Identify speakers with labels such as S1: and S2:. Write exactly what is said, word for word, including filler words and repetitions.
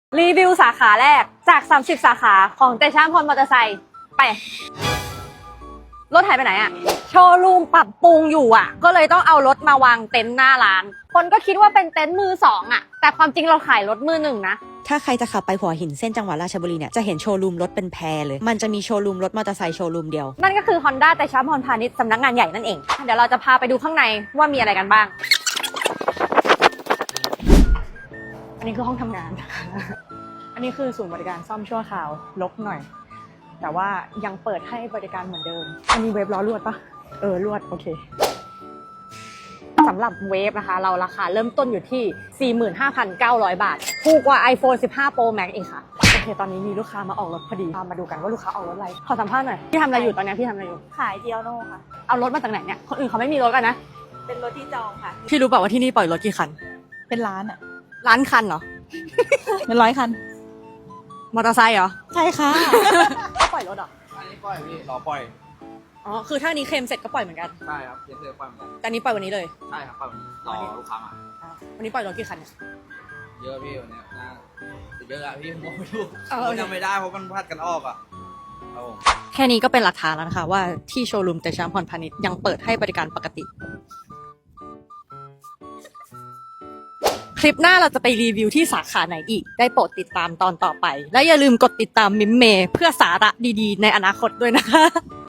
S1: รีวิวสาขาแรกจากสามสิบสาขาของเตชะพรมอเตอร์ไซค์ไปรถหายไปไหนอะโชว์รูมปรับปรุงอยู่อะก็เลยต้องเอารถมาวางเต็นท์หน้าร้านคนก็คิดว่าเป็นเต็นท์มือสองอะแต่ความจริงเราขายรถมือหนึ่งนะ
S2: ถ้าใครจะขับไปหัวหินเส้นจังหวัดราชบุรีเนี่ยจะเห็นโชว์รูมรถเป็นแพรเลยมันจะมีโชว์รูมรถมอเตอร์ไซค์โชว์รูมเดียว
S1: นั่นก็คือ Honda เตชะพรพาณิชย์สำนักงานใหญ่นั่นเองเดี๋ยวเราจะพาไปดูข้างในว่ามีอะไรกันบ้างอันนี้คือห้องทำงาน อันนี้คือศูนย์บริการซ่อมชั่วคราวรกหน่อยแต่ว่ายังเปิดให้บริการเหมือนเดิมอันนี้เวฟล้อลวดปะเออลวดโอเคสำหรับเวฟนะคะเราราคาเริ่มต้นอยู่ที่ สี่หมื่นห้าพันเก้าร้อย บาทถูกกว่า iPhone สิบห้า Pro Max อีกค่ะโอเคตอนนี้มีลูกค้ามาออกรถพอดีมาดูกันว่าลูกค้าออกรถอะไรขอสัมภาษณ์หน่อยพี่ทำอะไรอยู่ตอนนี้พี่ทำอะไรอยู่
S3: ขายเดียวโน่ค่ะ
S1: เอารถมาจากไหนเนี่ยคนอื่นเขาไม่มีรถกันนะ
S3: เป็นรถที่จองค่ะ
S1: พี่รู้เปล่าว่าที่นี่ปล่อยรถกี่คัน
S3: เป็นร้านอะ
S1: ล้านคันเหรอ
S3: เป็นร้อยคัน
S1: มอเตอร์ไซค์เหรอ
S3: ใช่ค่ะ
S1: ก็ปล่อยรถเหรอ
S4: อันนี้ปล่อยพี่รอปล่อย
S1: อ๋อคือถ้านี้เคลมเสร็จก็ปล่อยเหมือนกัน
S4: ใช่ครับเย็นเดือนปล่อยเหมือนกัน
S1: แต่นี้ปล่อยวันนี้เลย
S4: ใช่ครับปล่อยวันนี้รอลูกค้ามา
S1: วันนี้ปล่อยรถกี่คันเนี่ย
S4: เยอะพี่วันนี้น่าเยอะอะพี่ผมไม่รู้
S1: เออ
S4: ผมจำไม่ได้เพราะมันพัดกันออกอะครับผม
S1: แค่นี้ก็เป็นหลักฐานแล้วนะคะว่าที่โชว์รูมเตชะพรพาณิชย์ยังเปิดให้บริการปกติคลิปหน้าเราจะไปรีวิวที่สาขาไหนอีกได้โปรดติดตามตอนต่อไปและอย่าลืมกดติดตามมิมเมเพื่อสาระดีๆในอนาคตด้วยนะคะ